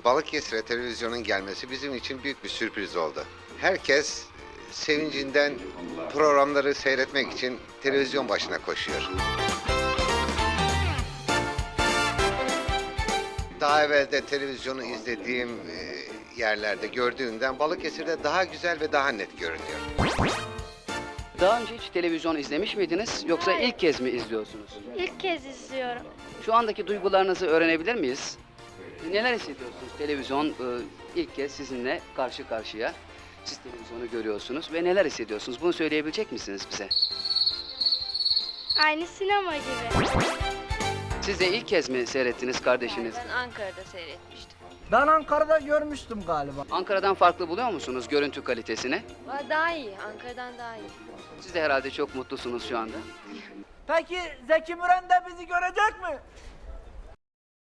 Balıkesir'e televizyonun gelmesi bizim için büyük bir sürpriz oldu. Herkes sevincinden programları seyretmek için televizyon başına koşuyor. Daha evvel de televizyonu izlediğim yerlerde gördüğümden Balıkesir'de daha güzel ve daha net görünüyor. Daha önce hiç televizyon izlemiş miydiniz yoksa Hayır. ilk kez mi izliyorsunuz? İlk kez izliyorum. Şu andaki duygularınızı öğrenebilir miyiz? Neler hissediyorsunuz? Televizyon ilk kez sizinle karşı karşıya. Siz televizyonu görüyorsunuz ve neler hissediyorsunuz? Bunu söyleyebilecek misiniz bize? Aynı sinema gibi. Siz de ilk kez mi seyrettiniz kardeşiniz? Ben Ankara'da seyretmiştim. Ben Ankara'da görmüştüm galiba. Ankara'dan farklı buluyor musunuz görüntü kalitesini? Daha iyi, Ankara'dan daha iyi. Siz de herhalde çok mutlusunuz şu anda. Peki Zeki Müren de bizi görecek mi?